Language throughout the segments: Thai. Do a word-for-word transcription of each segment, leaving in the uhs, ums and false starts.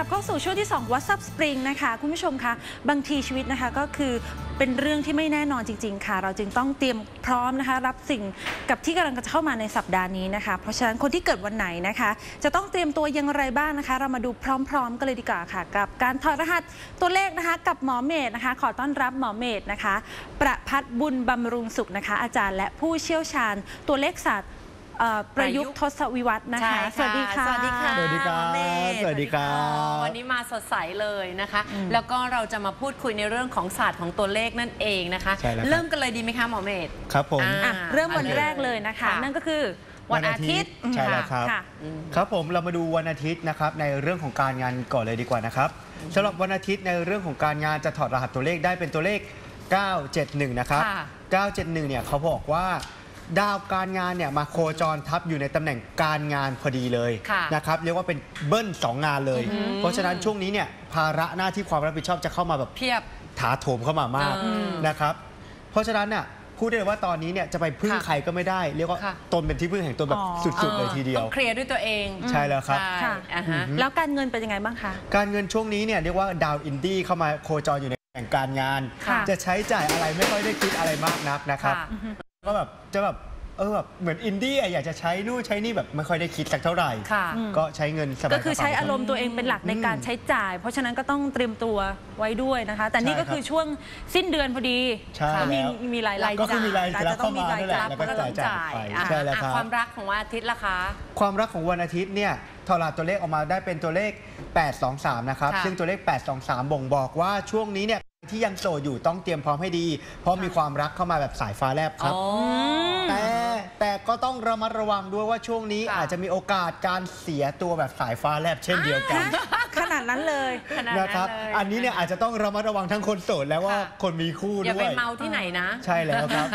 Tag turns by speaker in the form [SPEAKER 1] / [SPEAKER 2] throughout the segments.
[SPEAKER 1] บเข้าสู่ช่วงที่สอง WhatsApp Spring นะคะคุณผู้ชมคะบางทีชีวิตนะคะก็คือเป็นเรื่องที่ไม่แน่นอนจริงๆค่ะเราจึงต้องเตรียมพร้อมนะคะรับสิ่งกับที่กำลังจะเข้ามาในสัปดาห์นี้นะคะเพราะฉะนั้นคนที่เกิดวันไหนนะคะจะต้องเตรียมตัวอย่างไรบ้างนะคะเรามาดูพร้อมๆกันเลยดีกว่าค่ะกับการถอดรหัสตัวเลขนะคะกับหมอเมธนะคะขอต้อนรับหมอเมธนะคะประภัสบุญบำรุงสุขนะคะอาจารย์และผู้เชี่ยวชาญตัวเลขศาสตร์ประยุกต์ทศวิวัฒน์นะคะสวัสดีค่ะ
[SPEAKER 2] สวัสดีค่ะ
[SPEAKER 3] สวัสดีครับสวัสดีครับ
[SPEAKER 2] วันนี้มาสดใสเลยนะคะแล้วก็เราจะมาพูดคุยในเรื่องของศาสตร์ของตัวเลขนั่นเองนะคะเริ่มกันเลยดีไหมคะหมอเมธ
[SPEAKER 3] ครับผม
[SPEAKER 1] เริ่มวันแรกเลยนะคะนั่นก็คือวันอาทิตย์
[SPEAKER 3] ใช่แล้วครับครับผมเรามาดูวันอาทิตย์นะครับในเรื่องของการงานก่อนเลยดีกว่านะครับสำหรับวันอาทิตย์ในเรื่องของการงานจะถอดรหัสตัวเลขได้เป็นตัวเลขเก้าเจ็ดหนึ่งนะครับเก้าเจ็ดหนึ่งเนี่ยเขาบอกว่าดาวการงานเนี่ยมาโคจรทับอยู่ในตำแหน่งการงานพอดีเลยนะครับเรียกว่าเป็นเบิ้ลสองงานเลยเพราะฉะนั้นช่วงนี้เนี่ยภาระหน้าที่ความรับผิดชอบจะเข้ามาแบบ
[SPEAKER 2] เพียบ
[SPEAKER 3] ถาโถมเข้ามามากนะครับเพราะฉะนั้นน่ะพูดได้เลยว่าตอนนี้เนี่ยจะไปพึ่งใครก็ไม่ได้เรียกว่าตนเป็นที่พึ่งแห่งตนแบบสุดๆเลยทีเดียว
[SPEAKER 2] ต้องเคลียร์ด้วยตัวเอง
[SPEAKER 3] ใช่แล้วครับ
[SPEAKER 1] แล้วการเงินเป็นยังไงบ้างคะ
[SPEAKER 3] การเงินช่วงนี้เนี่ยเรียกว่าดาวอินดี้เข้ามาโคจรอยู่ในแห่งการงานจะใช้จ่ายอะไรไม่ค่อยได้คิดอะไรมากนักนะครับก็แบบจะแบบเออแบบเหมือนอินดี้อยากจะใช้นู่นใช้นี่แบบไม่ค่อยได้คิดสักเท่าไหร่ก็ใช้เงินสบายๆ
[SPEAKER 1] ก็คือใช้อารมณ์ตัวเองเป็นหลักในการใช้จ่ายเพราะฉะนั้นก็ต้องเตรียมตัวไว้ด้วยนะคะแต่นี่ก็คือช่วงสิ้นเดือนพอดีมีมีรายจ่าย
[SPEAKER 3] ก็คือมีรายจ่ายเข้ามาด้วยแหละแล้วก็จ่ายจ่ายไปใช่แล้วครับ
[SPEAKER 2] ความรักของวันอาทิตย์ล่ะคะ
[SPEAKER 3] ความรักของวันอาทิตย์เนี่ยถอดรหัสตัวเลขออกมาได้เป็นตัวเลขแปดสองสามนะครับซึ่งตัวเลขแปดสองสามบ่งบอกว่าช่วงนี้เนี่ยที่ยังโสดอยู่ต้องเตรียมพร้อมให้ดีเพราะมีความรักเข้ามาแบบสายฟ้าแลบครับแต่แต่ก็ต้องระมัดระวังด้วยว่าช่วงนี้อาจจะมีโอกาสการเสียตัวแบบสายฟ้าแลบเช่นเดียวกัน
[SPEAKER 1] ขนาดนั้นเลย
[SPEAKER 3] นะครับอันนี้เนี่ยอาจจะต้องระมัดระวังทั้งคนโสดแล้วว่าคนมีคู่ด้วย
[SPEAKER 2] อย่าไปเมาที่ไหนนะ
[SPEAKER 3] ใช่แล้วครับ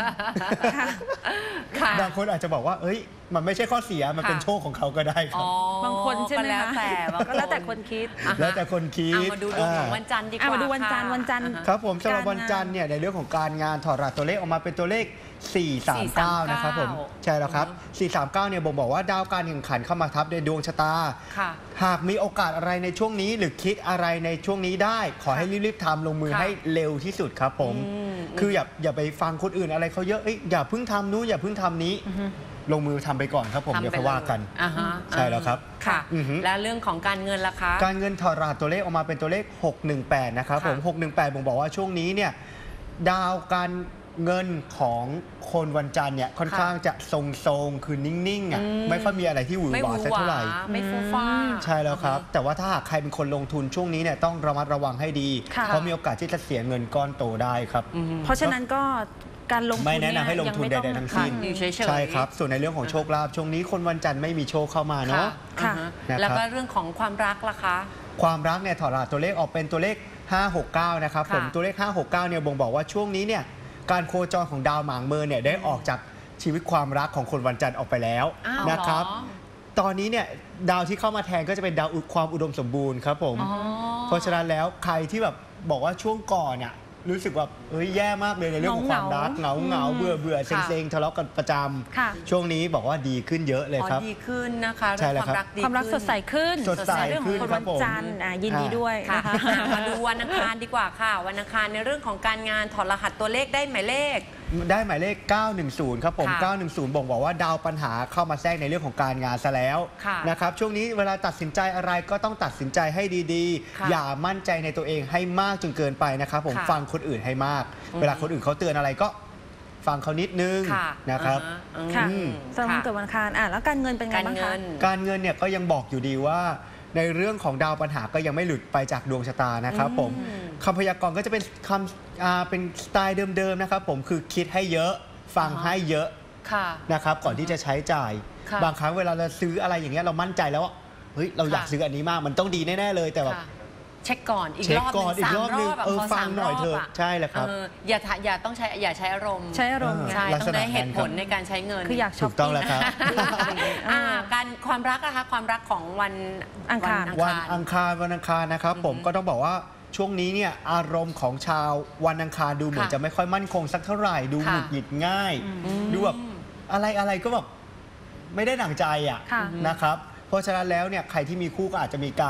[SPEAKER 3] บางคนอาจจะบอกว่าเอ้ยมันไม่ใช่ข้อเสียมันเป็นโชคของเขาก็ได้ครับ
[SPEAKER 1] บางคนใช่ไหม
[SPEAKER 2] แล้วแต่
[SPEAKER 1] ก็แล้วแต่คนคิด
[SPEAKER 3] แล้วแต่คนคิด
[SPEAKER 2] มาดูดวงของวันจันทร์ดีกว่า
[SPEAKER 1] มาดูวันจันทร์วันจันทร์
[SPEAKER 3] ครับผมสำหรับวันจันทร์เนี่ยในเรื่องของการงานถอดรหัสตัวเลขออกมาเป็นตัวเลขสี่สามเก้านะครับผมใช่แล้วครับสี่สามเก้าเนี่ยบ่งบอกว่าดาวการแข่งขันเข้ามาทับในดวงชะตาหากมีโอกาสอะไรในช่วงนี้หรือคิดอะไรในช่วงนี้ได้ขอให้รีบๆทำลงมือให้เร็วที่สุดครับผมคืออย่าอย่าไปฟังคนอื่นอะไรเขาเยอะอย่าเพิ่งทำนู้นอย่าเพิ่งทำนี้ลงมือทำไปก่อนครับผมเดี๋ยวเขาว่ากันใช่แล้วครับ
[SPEAKER 2] ค่ะและเรื่องของการเงินล่ะคะ
[SPEAKER 3] การเงินถอดรหัสตัวเลขออกมาเป็นตัวเลขหกหนึ่งแปดนะครับผมหกหนึ่งแปดบ่งบอกว่าช่วงนี้เนี่ยดาวการเงินของคนวันจันทร์เนี่ยค่อนข้างจะทรงๆคือนิ่งๆอ่ะไม่ค่อยมีอะไรที่หวือหวาสักเท่าไหร่
[SPEAKER 2] ไม่ฟูฟ้า
[SPEAKER 3] ใช่แล้วครับแต่ว่าถ้าหากใครเป็นคนลงทุนช่วงนี้เนี่ยต้องระมัดระวังให้ดีเพราะมีโอกาสที่จะเสียเงินก้อนโตได้ครับ
[SPEAKER 1] เพราะฉะนั้นก็การลงทุน
[SPEAKER 3] ไม่แนะนำให้ลงทุนใดๆทั้งสิ้นใช่ครับส่วนในเรื่องของโชคลาภช่วงนี้คนวันจันทร์ไม่มีโชคเข้ามาเนาะ
[SPEAKER 2] แล้วก็เรื่องของความรักล่ะคะ
[SPEAKER 3] ความรักเนี่ยถอดรหัสตัวเลขออกเป็นตัวเลขห้าหกเก้านะครับผมตัวเลขห้าหกเก้าเนี่ยบ่งบอกว่าช่วงนี้เนี่ยการโคจรของดาวหมางเมินเนี่ยได้ออกจากชีวิตความรักของคนวันจันทร์ออกไปแล้วนะครับตอนนี้เนี่ยดาวที่เข้ามาแทนก็จะเป็นดาวความอุดมสมบูรณ์ครับผมเพราะฉะนั้นแล้วใครที่แบบบอกว่าช่วงก่อนเนี่ยรู้สึกว่าเฮ้ยแย่มากเลยในเรื่องของความรักเหงาเหงาเบื่อเบื่อเซ็งเซ็งทะเลาะกันประจำช่วงนี้บอกว่าดีขึ้นเยอะเลยครับ
[SPEAKER 2] ดีขึ้นนะคะ
[SPEAKER 1] ความรักความรักสดใสขึ้น
[SPEAKER 3] สดใสขึ้น
[SPEAKER 1] คนวันจันทร์ยินดีด้วยนะคะ
[SPEAKER 2] มาดูวันอังคารดีกว่าค่ะวันอังคารในเรื่องของการงานถอดรหัสตัวเลขได้หมายเลข
[SPEAKER 3] ได้หมายเลขเก้าหนึ่งศูนย์ครับผมเก้าหนึ่งศูนย์บ่งบอกว่าดาวปัญหาเข้ามาแทรกในเรื่องของการงานซะแล้วนะครับช่วงนี้เวลาตัดสินใจอะไรก็ต้องตัดสินใจให้ดีๆอย่ามั่นใจในตัวเองให้มากจนเกินไปนะครับผมฟังคนอื่นให้มากเวลาคนอื่นเขาเตือนอะไรก็ฟังเขานิดนึงนะครับ
[SPEAKER 1] ค่ะสำหรับเกิดวันอังคารอ่ะแล้วการเงินเป็นไงบ้างคะ
[SPEAKER 3] การเงินเนี่ยก็ยังบอกอยู่ดีว่าในเรื่องของดาวปัญหาก็ยังไม่หลุดไปจากดวงชะตานะครับผมคำพยากรณ์ก็จะเป็นคำเป็นสไตล์เดิมๆนะครับผมคือคิดให้เยอะฟังให้เยอะนะครับก่อนที่จะใช้จ่ายบางครั้งเวลาเราซื้ออะไรอย่างเงี้ยเรามั่นใจแล้วว่าเฮ้ยเราอยากซื้ออันนี้มากมันต้องดีแน่ๆเลยแต่แบบ
[SPEAKER 2] เช็คก่อนอีกรอบ
[SPEAKER 3] อีกรอบนึงเออฟังหน่อยเถอะใช่แหละครับ
[SPEAKER 2] อย่าอย่าต้องใช้อย่าใช้อารมณ์
[SPEAKER 1] ใช้อารมณ์
[SPEAKER 2] ใช่ต้องได้เหตุผลในการใช้เงิน
[SPEAKER 1] คืออยาก
[SPEAKER 3] ถูกต้องแล้วครับ
[SPEAKER 2] การความรักนะคะความรักของวัน
[SPEAKER 1] อังคาร
[SPEAKER 3] วันอังคารวันอังคารนะครับผมก็ต้องบอกว่าช่วงนี้เนี่ยอารมณ์ของชาววันอังคารดูเหมือนจะไม่ค่อยมั่นคงสักเท่าไหร่ดูหงุดหงิดง่ายดูแบบอะไรอะไรก็แบบไม่ได้ดั่งใจอ่ะนะครับเพราะฉะนั้นแล้วเนี่ยใครที่มีคู่ก็อาจจะมีการ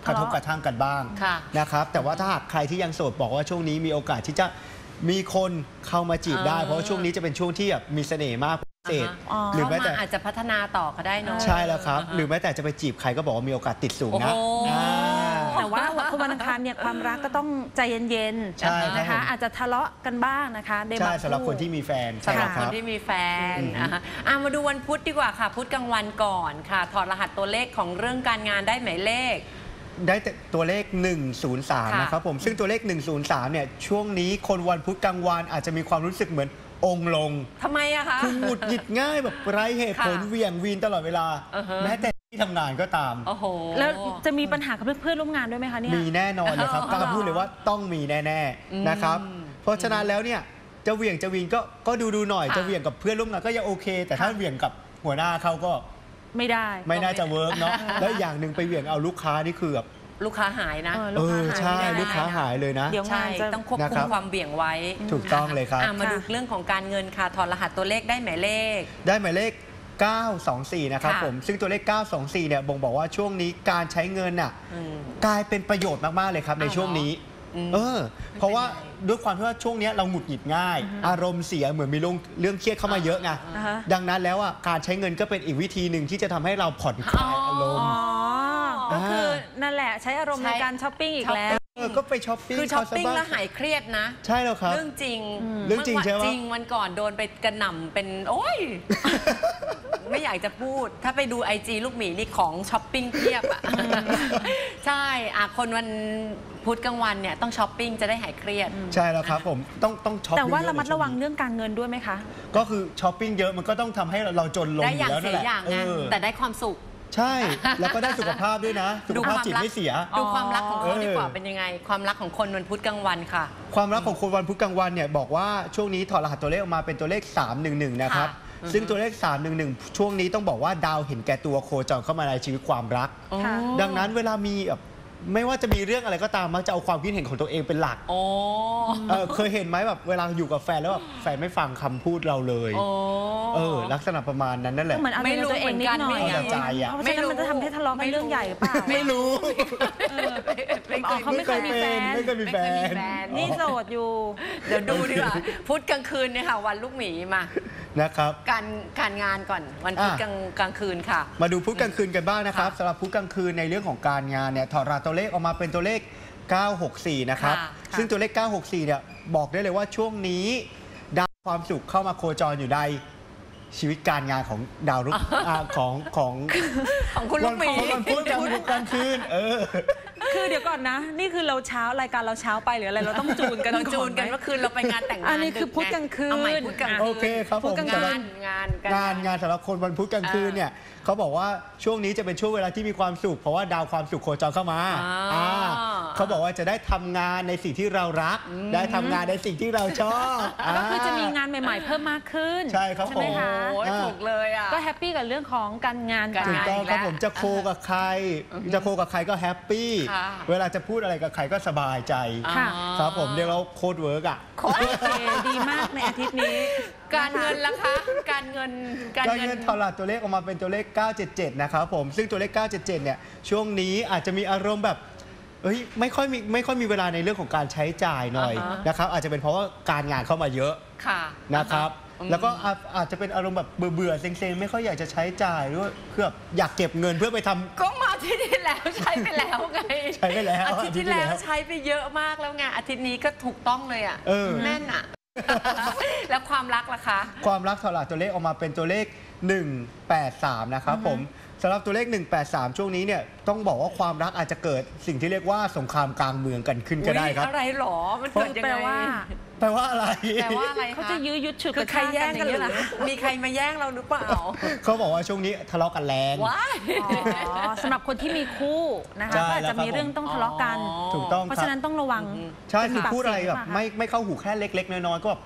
[SPEAKER 3] กระทบกระทั่งกันบ้าง
[SPEAKER 2] ค่ะ
[SPEAKER 3] นะครับแต่ว่าถ้าหากใครที่ยังโสดบอกว่าช่วงนี้มีโอกาสที่จะมีคนเข้ามาจีบได้
[SPEAKER 2] เออ
[SPEAKER 3] เพราะว่าช่วงนี้จะเป็นช่วงที่แบบมีเสน่ห์มากพิเศษ
[SPEAKER 2] อ่าฮะ
[SPEAKER 3] หรือ
[SPEAKER 2] เข้า
[SPEAKER 3] แม้แต่
[SPEAKER 2] มาอาจจะพัฒนาต่อก็ได้เนอะ
[SPEAKER 3] ใช่แล้วครับ
[SPEAKER 2] าฮะ
[SPEAKER 3] หรือแม้แต่จะไปจีบใครก็บอกว่ามีโอกาสติดสูงนะ
[SPEAKER 2] โอ้โห
[SPEAKER 3] อ่า
[SPEAKER 1] แต่ว่าคนวันอังคารเนี่ยความรักก็ต้องใจเย็น
[SPEAKER 3] ใช่ครับ
[SPEAKER 1] ๆนะคะ
[SPEAKER 3] ผม
[SPEAKER 1] อาจจะทะเลาะกันบ้างนะคะใน
[SPEAKER 3] ใช่
[SPEAKER 1] บาง
[SPEAKER 3] สำหรับคนที่มีแฟนใช่
[SPEAKER 2] สำหรับ
[SPEAKER 3] ค
[SPEAKER 2] คน
[SPEAKER 3] รับ
[SPEAKER 2] ที่มีแฟน
[SPEAKER 3] อือฮึ
[SPEAKER 2] อ่ะฮะอ่ะมาดูวันพุธดีกว่าค่ะ พุธกลางวันก่อนค่ะ ถอดรหัสตัวเลขของเรื่องการงานได้หมายเลข
[SPEAKER 3] ได้แต่ตัวเลข หนึ่งศูนย์สาม
[SPEAKER 2] ค่ะ
[SPEAKER 3] นะครับผมซึ่งตัวเลข หนึ่งศูนย์สาม เนี่ยช่วงนี้คนวันพุธกลางวันอาจจะมีความรู้สึกเหมือนองค์ลง
[SPEAKER 2] ทำไมอะคะ
[SPEAKER 3] คือหงุดหงิดง่ายแบบไร้เหตุผล
[SPEAKER 2] ค่ะ
[SPEAKER 3] เหวี่ยงวีนตลอดเวลา
[SPEAKER 2] อือฮะ
[SPEAKER 3] แม้แต่ที่ทำงานก็ตาม
[SPEAKER 2] โอ้โห
[SPEAKER 1] แล้วจะมีปัญหากับเพื่อนๆร่วมงานด้วยไหมคะเนี่ย
[SPEAKER 3] มีแน่นอนเลยครับ
[SPEAKER 2] อ๋อ
[SPEAKER 3] กล้าพูดเลยว่าต้องมีแน่
[SPEAKER 2] อืม
[SPEAKER 3] ๆนะครับ เพราะฉะนั้นแล้วเนี่ยจะเหวี่ยงจะวีนก็ก็ดูดูๆหน่อย
[SPEAKER 2] ค่ะ
[SPEAKER 3] จะเหวี่ยงกับเพื่อนร่วมงานก็ยังโอเค แต่ถ้า
[SPEAKER 1] ค่ะ
[SPEAKER 3] เหวี่ยงกับหัวหน้าเขาก็
[SPEAKER 1] ไม่ได้
[SPEAKER 3] ไม่น่าจะเวิร์กเนาะแล้วอีกอย่างหนึ่งไปเหวี่ยงเอาลูกค้านี่คือแบบ
[SPEAKER 2] ลูกค้าหายนะ
[SPEAKER 1] เออ
[SPEAKER 3] เอ
[SPEAKER 1] ลูกค้า
[SPEAKER 3] อ
[SPEAKER 1] หาย
[SPEAKER 3] ใช่
[SPEAKER 1] ไม่ได้
[SPEAKER 3] ลูกค้าหายเลยนะ
[SPEAKER 1] เดี๋ยว
[SPEAKER 2] ใช่
[SPEAKER 1] งานจะ
[SPEAKER 2] ต้องควบ
[SPEAKER 3] นะ
[SPEAKER 2] คุ
[SPEAKER 3] ครั
[SPEAKER 2] ม
[SPEAKER 3] บ
[SPEAKER 2] ความเบี่ยงไว้
[SPEAKER 3] ถูกต้องเลยครับ
[SPEAKER 2] อ่ะมาดู
[SPEAKER 1] ค่ะ
[SPEAKER 2] เรื่องของการเงินค่ะ ถอดรหัสตัวเลขได้หมายเลข
[SPEAKER 3] ได้หมายเลข เก้าสองสี่ นะครับ
[SPEAKER 2] ค่ะ
[SPEAKER 3] ผม ซึ่งตัวเลข เก้าสองสี่ เนี่ยบ่งบอกว่าช่วงนี้การใช้เงินน่ะ
[SPEAKER 2] อืม
[SPEAKER 3] กลายเป็นประโยชน์มาก ๆ เลยครับใน
[SPEAKER 2] อ้าว
[SPEAKER 3] ช่วงนี้
[SPEAKER 2] อืม
[SPEAKER 3] เออ เพราะว่า
[SPEAKER 2] เป็นไง
[SPEAKER 3] ด้วยความที่ว่าช่วงนี้เราหงุดหงิดง่าย อารมณ์เสียเหมือนมีเรื่องเรื่องเครียดเข้ามาเยอะไง
[SPEAKER 1] อ่าฮะ
[SPEAKER 3] ดังนั้นแล้วอ่ะการใช้เงินก็เป็นอีกวิธีหนึ่งที่จะทำให้เราผ่อนคลายอารม
[SPEAKER 1] อ๋
[SPEAKER 3] ณ์
[SPEAKER 1] อก็คือนั่นแหละใช้อารมณ์
[SPEAKER 2] ใช้
[SPEAKER 1] ในการช้อปปิ้งอีกแล้ว
[SPEAKER 3] เออก็ไปช้อปปิ้ง
[SPEAKER 2] คือช้อปปิ้ง
[SPEAKER 3] เขาซะบ้า
[SPEAKER 2] แล้วหายเครียดนะ
[SPEAKER 3] ใช่แล้วครับ
[SPEAKER 2] เรื่องจริง
[SPEAKER 3] เรื่องจริงใช่ไหม
[SPEAKER 2] จริงวันก่อนโดนไปกระหน่ำเป็น โอ้ย ไม่อยากจะพูด ถ้าไปดูไอจีลูกหมีนี่ของช้อปปิ้งเพียบอ่ะ ใช่อ่ะคนวันพุธกลางวันเนี่ยต้องช้อปปิ้งจะได้หายเครียด
[SPEAKER 3] ใช่แล้วครับผมต้องต้องช็อป
[SPEAKER 1] แต่ว่า
[SPEAKER 3] เยอๆ
[SPEAKER 1] ระมัดระวัง
[SPEAKER 3] ในช่นี้
[SPEAKER 1] เรื่องการเงินด้วยไหมคะ
[SPEAKER 3] ก็คือช้อปปิ้งเยอะมันก็ต้องทำให้เราจนลง
[SPEAKER 2] ได้
[SPEAKER 3] อ
[SPEAKER 2] อย่าง
[SPEAKER 3] ยู่แล้ว
[SPEAKER 2] เสี
[SPEAKER 3] นั่นแหละ
[SPEAKER 2] ยอย่าง
[SPEAKER 3] เอ
[SPEAKER 2] นะ
[SPEAKER 3] อ
[SPEAKER 2] แต่ได้ความสุข
[SPEAKER 3] ใช่ แล้วก็ได้สุขภาพด้วยนะ สุขภาพจิตไม่เสีย
[SPEAKER 2] ดูความรักของเขา
[SPEAKER 3] เออ
[SPEAKER 2] ดีกว่าเป็นยังไง ความรักของคนวันพุธกลางวันค่ะ
[SPEAKER 3] ความรักของคนวันพุธกลางวันเนี่ยบอกว่าช่วงนี้ถอดรหัสตัวเลขออกมาเป็นตัวเลข สามหนึ่งหนึ่ง นะครับ
[SPEAKER 2] ค่ะ
[SPEAKER 3] ซึ่งตัวเลข สามหนึ่งหนึ่ง ช่วงนี้ต้องบอกว่าดาวเห็นแก่ตัวโคจรเข้ามาในชีวิตความรัก
[SPEAKER 1] ค่ะ
[SPEAKER 3] ดังนั้นเวลามีแบบไม่ว่าจะมีเรื่องอะไรก็ตามมักจะเอาความคิดเห็นของตัวเองเป็นหลัก
[SPEAKER 2] โอ้
[SPEAKER 3] เออเคยเห็นไหมแบบเวลาอยู่กับแฟนแล้วแบบแฟนไม่ฟังคำพูดเราเลย
[SPEAKER 2] โอ้
[SPEAKER 3] เออลักษณะประมาณนั้นนั่นแห
[SPEAKER 1] ก็
[SPEAKER 3] ละ
[SPEAKER 1] เหมือนเอา
[SPEAKER 2] ไม่
[SPEAKER 1] ใจ
[SPEAKER 2] รู้
[SPEAKER 1] ตัวเองนิดหน่อย
[SPEAKER 2] เหมือนกัน
[SPEAKER 3] เอาแต่ใจอะ
[SPEAKER 1] เพราะฉะนั้นมันจะทำให้ทะเลาะกันเรื่องใหญ่หรือเปล่า
[SPEAKER 3] ไม่รู้
[SPEAKER 1] อ๋อเขาไม่เคยมีแฟน
[SPEAKER 3] ไม่เคยมีแฟน
[SPEAKER 1] นี่โสดอยู่
[SPEAKER 2] เดี๋ยวดูดีกว่า พุธกลางคืนเนี่ยค่ะ วันลูกหมีมา
[SPEAKER 3] นะครับ
[SPEAKER 2] การการงานก่อนวันพุธ
[SPEAKER 3] อ่ะ
[SPEAKER 2] กลางกลางคืนค่ะ
[SPEAKER 3] มาดูพุธกลางคืนกันบ้างนะครับ
[SPEAKER 2] ค่ะ
[SPEAKER 3] สำหรับพุธกลางคืนในเรื่องของการงานเนี่ยถอดรหัสตัวเลขออกมาเป็นตัวเลข เก้าหกสี่ นะครับ
[SPEAKER 2] ค่ะ
[SPEAKER 3] ซึ่งตัวเลข เก้าหกสี่ เนี่ยบอกได้เลยว่าช่วงนี้ดาวความสุขเข้ามาโคจรอยู่ในชีวิตการงานของดาวรุ่งอ่าของของ
[SPEAKER 2] ของคุณลูกหมี
[SPEAKER 3] ของวันพุธกลางกลางคืนเออ
[SPEAKER 1] คือเดี๋ยวก่อนนะ นี่คือเราเช้ารายการเราเช้าไปหรืออะไรเราต้องจูนกัน
[SPEAKER 2] เราจูนกัน
[SPEAKER 1] ไหม
[SPEAKER 2] เมื่อคืนเราไปงานแต่งงาน
[SPEAKER 1] อันนี้คือ
[SPEAKER 2] ดึ
[SPEAKER 1] พุธกลางคืน
[SPEAKER 2] เอาใหม่พุธกลางคืน
[SPEAKER 3] โอเคครับผม
[SPEAKER 1] พุธกลางคื
[SPEAKER 2] งาน
[SPEAKER 1] น
[SPEAKER 2] งาน
[SPEAKER 3] งานงานสำหรับคนวันพุธกลางคืนเนี่ยเขาบอกว่าช่วงนี้จะเป็นช่วงเวลาที่มีความสุขเพราะว่าดาวความสุขโคจรเข้ามา
[SPEAKER 2] อ่า
[SPEAKER 3] อ่าเขาบอกว่าจะได้ทำงานในสิ่งที่เรารัก ได้ทำงานในสิ่งที่เราชอบ
[SPEAKER 1] ก็คือจะมี
[SPEAKER 3] าง
[SPEAKER 1] านใหม่ ๆ เพิ่มมากขึ้น
[SPEAKER 3] ใช่ครับ
[SPEAKER 1] ใช่ไหม
[SPEAKER 3] ผม
[SPEAKER 1] คะ
[SPEAKER 2] โอ้ย
[SPEAKER 3] อ่า
[SPEAKER 2] ถูกเลยอ่ะ
[SPEAKER 1] ก็แฮปปี้กับเรื่องของการงาน
[SPEAKER 2] การ
[SPEAKER 3] ถูก
[SPEAKER 2] งาน
[SPEAKER 3] ต้องครับผมจะโคกับใคร จะโคกับใครก็แฮปปี้
[SPEAKER 2] ค่ะ
[SPEAKER 3] เวลาจะพูดอะไรกับใครก็สบายใจ
[SPEAKER 1] ค่ะ
[SPEAKER 3] ครับผมเรียกว่าโคตรเวิร์กอ่ะ
[SPEAKER 1] โอเคดีมากในอาทิตย์นี้
[SPEAKER 2] การเงินล่ะคะ การเงิน
[SPEAKER 3] การเงินถอดรหัสตัวเลขออกมาเป็นตัวเลข เก้าเจ็ดเจ็ด นะครับผมซึ่งตัวเลข เก้าเจ็ดเจ็ด เนี่ยช่วงนี้อาจจะมีอารมณ์แบบเอ้ยไม่ค่อยมีไม่ค่อยมีเวลาในเรื่องของการใช้จ่ายหน่อย
[SPEAKER 2] อ่าฮะ
[SPEAKER 3] นะครับอาจจะเป็นเพราะว่าการงานเข้ามาเยอะ
[SPEAKER 2] ค่ะ
[SPEAKER 3] นะครับ
[SPEAKER 2] อืม
[SPEAKER 3] แล้วก็อาจอาจจะเป็นอารมณ์แบบเบื่อๆเซ็งๆไม่ค่อยอยากจะใช้จ่ายหรือว่าเพื่ออยากเก็บเงินเพื่อไปทำ
[SPEAKER 2] ก็มาอาทิตย์ที่แล้วใช้ไปแล้วไง
[SPEAKER 3] ใช้ไปแล้ว
[SPEAKER 2] อาทิตย์ที่
[SPEAKER 3] อาทิตย์ที่
[SPEAKER 2] แล้
[SPEAKER 3] แล้ว ว
[SPEAKER 2] ใช้ไปเยอะมากแล้วไงอาทิตย์นี้ก็ถูกต้องเลยอ่ะ
[SPEAKER 3] เออ
[SPEAKER 2] แม่นอ่ะ แล้วความรักล่ะคะ
[SPEAKER 3] ความรักถอดรหัสตัวเลขออกมาเป็นตัวเลข หนึ่งแปดสาม นะครับผมสำหรับตัวเลข หนึ่งแปดสาม ช่วงนี้เนี่ยต้องบอกว่าความรักอาจจะเกิดสิ่งที่เรียกว่าสงครามกลางเมืองกันขึ้นก็ได้ครับ
[SPEAKER 2] อุ๊ยอะไรหรอ มันเกิดยัง
[SPEAKER 1] แปล
[SPEAKER 2] ไง
[SPEAKER 1] ว่า
[SPEAKER 3] แปลว่าอะไร
[SPEAKER 2] แปลว่าอะไรคะ
[SPEAKER 1] เขาจะยื้อยุดฉุด
[SPEAKER 2] คื
[SPEAKER 1] ก
[SPEAKER 2] อ
[SPEAKER 1] ระ
[SPEAKER 2] ใคร
[SPEAKER 1] ชาก
[SPEAKER 2] แย่
[SPEAKER 1] กัน
[SPEAKER 2] ง
[SPEAKER 1] อ
[SPEAKER 2] กั
[SPEAKER 1] ย่าน ง
[SPEAKER 2] ห
[SPEAKER 1] นี้
[SPEAKER 2] รือ
[SPEAKER 1] เหรอคะ
[SPEAKER 2] มีใครมาแย่งเราหรือเปล่า
[SPEAKER 3] เขาบอกว่าช่วงนี้ทะเลาะกันแรง
[SPEAKER 2] ว้าย
[SPEAKER 1] อ๋อสำหรับคนที่มีคู่นะคะ
[SPEAKER 3] ใช่
[SPEAKER 1] ก็อาจ
[SPEAKER 3] แล้ว
[SPEAKER 1] จะ
[SPEAKER 3] ครับ
[SPEAKER 1] มีเรื่องต้องทะเลาะกัน
[SPEAKER 3] ถูกต้อง
[SPEAKER 1] เพราะ
[SPEAKER 3] ครั
[SPEAKER 1] ฉะ
[SPEAKER 3] บ
[SPEAKER 1] นั้นต้องระวัง
[SPEAKER 3] ใช่คือ
[SPEAKER 1] ปาก
[SPEAKER 3] พูดอะไร
[SPEAKER 1] เสียง
[SPEAKER 3] แบบ
[SPEAKER 1] หเปล่าคะ
[SPEAKER 3] ไม่ไม่เข้าหูแค่เล็ก ๆ น้อยๆก็แบบ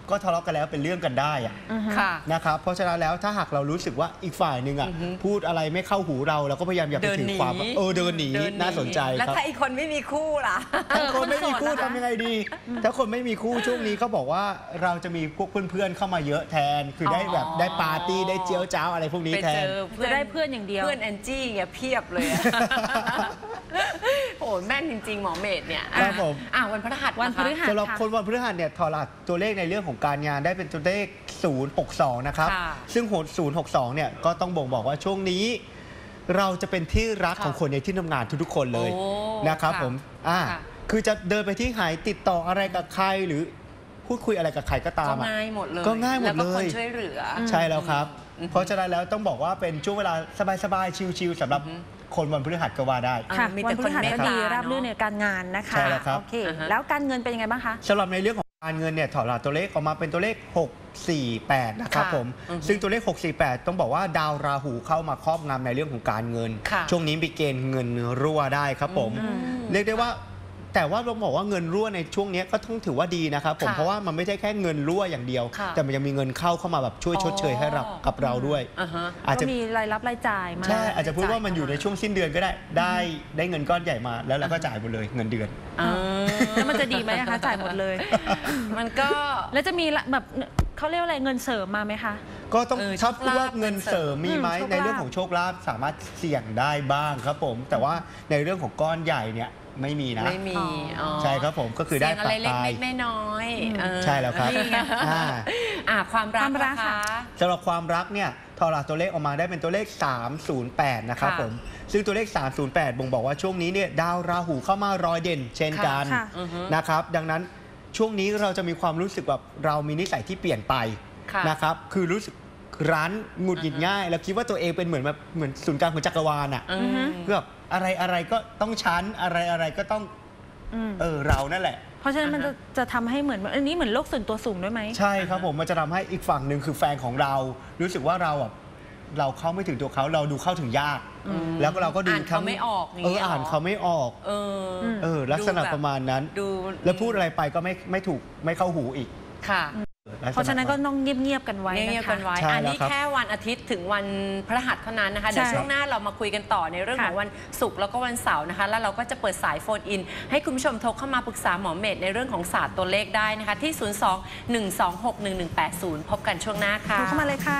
[SPEAKER 3] ก็ทะเลาะกันแล้วเป็นเรื่องกันได้อะ
[SPEAKER 1] อือฮึ
[SPEAKER 2] ค่ะ
[SPEAKER 3] นะครับเพราะฉะนั้นแล้วถ้าหากเรารู้สึกว่าอีกฝ่ายหนึ่งอ่ะ
[SPEAKER 2] อือฮึ
[SPEAKER 3] พูดอะไรไม่เข้าหูเราเราก็พยายามอย่าไป
[SPEAKER 2] เดิน
[SPEAKER 3] ถือ
[SPEAKER 2] หนี
[SPEAKER 3] ความเออเดินหนี
[SPEAKER 2] เดิ
[SPEAKER 3] น่าสนใจ
[SPEAKER 2] แล้ว
[SPEAKER 3] ครับ
[SPEAKER 2] ถ้าอีกคนไม่มีคู่ล่ะ
[SPEAKER 3] ถ้าคนไม่มีคู่
[SPEAKER 1] คนโสดนะคะ
[SPEAKER 3] ทำยังไงดี ถ้าคนไม่มีคู่ช่วงนี้เขาบอกว่าเราจะมีพวกเพื่อนๆเข้ามาเยอะแทน คือได้แบบ
[SPEAKER 2] อ๋อ
[SPEAKER 3] ได้ปาร์ตี้ได้เจียวจ้าวอะไรพวกนี้
[SPEAKER 2] ไป
[SPEAKER 3] แท
[SPEAKER 2] เจ
[SPEAKER 3] น
[SPEAKER 2] อ
[SPEAKER 1] จะได้เพื่อนอย่างเดียว
[SPEAKER 2] เพื่อนแอนจี้เงี้ยเพียบเลยอะ โอ้แม่นจริง ๆ หมอเมธเนี่ย
[SPEAKER 3] ครับผม
[SPEAKER 2] อ่ะวันพฤหัส
[SPEAKER 1] วันพฤหัส
[SPEAKER 3] สำหรับคนวันพฤหัสเนี่ยถอดรหัสตัวเลขในเรื่องของการงานได้เป็นตัวเลข ศูนย์ หก สอง นะครับ
[SPEAKER 2] ค่ะ
[SPEAKER 3] ซึ่งโหดศูนย์ หก สอง เนี่ยก็ต้องบ่งบอกว่าช่วงนี้ เราจะเป็นที่รัก
[SPEAKER 2] ค่ะ
[SPEAKER 3] ของคนในที่ทำงานทุกๆคนเลย
[SPEAKER 2] โอ้
[SPEAKER 3] นะครับ
[SPEAKER 2] ค่ะ
[SPEAKER 3] ผมอ่า
[SPEAKER 2] ค่ะ
[SPEAKER 3] คือจะเดินไปที่ไหนติดต่ออะไรกับใครหรือพูดคุยอะไรกับใครก็ตา
[SPEAKER 2] ก็
[SPEAKER 3] มอะ
[SPEAKER 2] ง่ายหมดเลย
[SPEAKER 3] ก็ง่ายหมด
[SPEAKER 2] แล้วก็
[SPEAKER 3] เลย
[SPEAKER 2] คนช่วยเหลืออ
[SPEAKER 3] ใช่แล้วครับ
[SPEAKER 2] อืม
[SPEAKER 3] เพราะฉะนั้นแล้วต้องบอกว่าเป็นช่วงเวลาสบายๆชิลๆสำหรับ
[SPEAKER 2] อือฮึ
[SPEAKER 3] คนวันพฤหัสก็ว่าได้
[SPEAKER 1] ค่ะ
[SPEAKER 2] มี
[SPEAKER 1] วั
[SPEAKER 2] แต่
[SPEAKER 1] นพ
[SPEAKER 2] คน
[SPEAKER 1] ฤหัส
[SPEAKER 2] เมต
[SPEAKER 1] ก็
[SPEAKER 2] ตา
[SPEAKER 1] ดี
[SPEAKER 2] เนอะ
[SPEAKER 1] ราบรื่นในการงานนะคะ
[SPEAKER 3] ใช่แล้วครับ
[SPEAKER 1] โอเค
[SPEAKER 2] อ่าฮะ
[SPEAKER 1] แล้วการเงินเป็นยังไงบ้างคะ
[SPEAKER 3] สำหรับในเรื่องของการเงินเนี่ยถอดรหัสตัวเลขออกมาเป็นตัวเลข หก สี่ แปด นะครับ
[SPEAKER 2] ค่ะ
[SPEAKER 3] ผม
[SPEAKER 2] อือฮึ
[SPEAKER 3] ซึ่งตัวเลข หก สี่ แปด ต้องบอกว่าดาวราหูเข้ามาครอบงำในเรื่องของการเงิน
[SPEAKER 2] ค่ะ
[SPEAKER 3] ช่วงนี้มีเกณฑ์เงินรั่วได้ครับผม
[SPEAKER 2] อืม
[SPEAKER 3] เรียกได้ว่าแต่ว่าเราบอกว่าเงินรั่วในช่วงนี้ก็ต้องถือว่าดีนะครับผม
[SPEAKER 2] ค่ะ
[SPEAKER 3] เพราะว่ามันไม่ใช่แค่เงินรั่วอย่างเดียว
[SPEAKER 2] ค่ะ
[SPEAKER 3] แต่มันยังมีเงินเข้าเข้ามาแบบช่วยชดเชยให้เรา
[SPEAKER 2] อ๋อ
[SPEAKER 3] กับเราด้วย
[SPEAKER 2] อ่าฮะ
[SPEAKER 3] อาจ
[SPEAKER 1] ก็
[SPEAKER 3] จะ
[SPEAKER 1] มีรายรับรายจ่ายมา
[SPEAKER 3] ใช่อาจจะพูดว่ามันอยู่ใน
[SPEAKER 2] จ่ายเข้ามา
[SPEAKER 3] ช่วงสิ้นเดือนก็ได้ได้ได้เงินก้อนใหญ่มาแล้วเราก็จ่ายหมดเลยเงินเดือน
[SPEAKER 2] อ่า
[SPEAKER 1] แล้วมันจะดีไหมนะคะจ่ายหมดเลย
[SPEAKER 2] มันก็
[SPEAKER 1] แล้วจะมีละแบบเขาเรียกว่าอะไรเงินเสริมมาไหมคะ
[SPEAKER 3] ก็ต้อง
[SPEAKER 2] เออ
[SPEAKER 3] ถ้าพูดว่า
[SPEAKER 2] โชคลาภ
[SPEAKER 3] เงินเสริมมีไหม
[SPEAKER 1] อืมโชคลาภ
[SPEAKER 3] ในเรื่องของโชคลาภสามารถเสี่ยงได้บ้างครับผม แต่ว่าในเรื่องของก้อนใหญ่เนี่ยไม่มีนะ
[SPEAKER 2] ไม่มีอ๋อ
[SPEAKER 3] ใช่ครับผมก็คือได้
[SPEAKER 2] เสี่ยงอะไร
[SPEAKER 3] ปะปลาย
[SPEAKER 2] เล็กๆน้อยๆเออ
[SPEAKER 3] ใช่แล้วครับ
[SPEAKER 2] นี่ไง
[SPEAKER 3] อ่า
[SPEAKER 2] อ่าความรัก
[SPEAKER 1] ความรัก
[SPEAKER 2] นะ
[SPEAKER 1] ค่ะ
[SPEAKER 2] คะ
[SPEAKER 3] สำหรับความรักเนี่ยทอราตัวเลขออกมาได้เป็นตัวเลข สาม ศูนย์ แปด นะครับ
[SPEAKER 2] ค่ะ
[SPEAKER 3] ผมซึ่งตัวเลข สาม ศูนย์ แปด บ่งบอกว่าช่วงนี้เนี่ยดาวราหูเข้ามารอยเด่น เช่นกัน
[SPEAKER 1] ค่ะ
[SPEAKER 2] อือฮึ
[SPEAKER 3] นะครับดังนั้นช่วงนี้เราจะมีความรู้สึกแบบเรามีนิสัยที่เปลี่ยนไป
[SPEAKER 2] ค่ะ
[SPEAKER 3] นะครับคือรู้สึกรั้นหงุดหงิดง่าย แล้วคิดว่าตัวเองเป็นเหมือนแบบเหมือนศูนย์กลางของจักรวาลอ่ะ
[SPEAKER 2] อืม
[SPEAKER 3] คือแบบอะไรอะไรก็ต้องชั้นอะไรอะไรก็ต้อง
[SPEAKER 1] อืม
[SPEAKER 3] เออเรานั่นแหละ
[SPEAKER 1] เพราะฉะนั้นมันจะจะทำให้เหมือนอันนี้เหมือนโลกส่วนตัวสูงด้วยไหม
[SPEAKER 3] ใช่ครับผมมันจะทำให้อีกฝั่งหนึ่งคือแฟนของเรา รู้สึกว่าเราอ่ะเราเข้าไม่ถึงตัวเขาเราดูเข้าถึงยาก
[SPEAKER 2] อืม
[SPEAKER 3] แล้วก็เราก็ดู
[SPEAKER 2] อ่านเขาไม่ออกอย่าง
[SPEAKER 3] เอ
[SPEAKER 2] เงี้
[SPEAKER 3] อย
[SPEAKER 2] เหรอ
[SPEAKER 3] อ่านเขาไม่ออก
[SPEAKER 2] เอออ
[SPEAKER 1] ม
[SPEAKER 3] เออลักษณะ
[SPEAKER 2] ดูแบบ
[SPEAKER 3] ประมาณนั้น
[SPEAKER 2] ดู
[SPEAKER 3] แล้วพูดอะไรไปก็ไม่ไม่ถูกไม่เข้าหูอีก
[SPEAKER 2] ค่ะ
[SPEAKER 3] ลักษณ
[SPEAKER 1] เพราะฉะนั้นก็ต้องเงียบๆกันไว้
[SPEAKER 2] เงี
[SPEAKER 1] นะ
[SPEAKER 2] ยบๆ
[SPEAKER 1] คะ
[SPEAKER 2] กันไว้
[SPEAKER 3] ใช่
[SPEAKER 2] อัน
[SPEAKER 3] แล้ว
[SPEAKER 2] นี้
[SPEAKER 3] ครับ
[SPEAKER 2] แค่วันอาทิตย์ถึงวันพฤหัสเท่านั้นนะคะ เดี๋ยว
[SPEAKER 1] ใช่
[SPEAKER 2] ช่วงหน้าเรามาคุยกันต่อในเรื่องของ
[SPEAKER 1] ค่ะ
[SPEAKER 2] วันศุกร์แล้วก็วันเสาร์นะคะ แล้วเราก็จะเปิดสายโฟนอิน ให้คุณผู้ชมโทรเข้ามาปรึกษาหมอเมธในเรื่องของศาสตร์ตัวเลขได้นะคะ ที่ ศูนย์ สอง หนึ่ง สอง หก หนึ่ง หนึ่ง แปด ศูนย์ พบกันช่วงหน้าค่ะ
[SPEAKER 1] โทรเข้ามาเลยค่ะ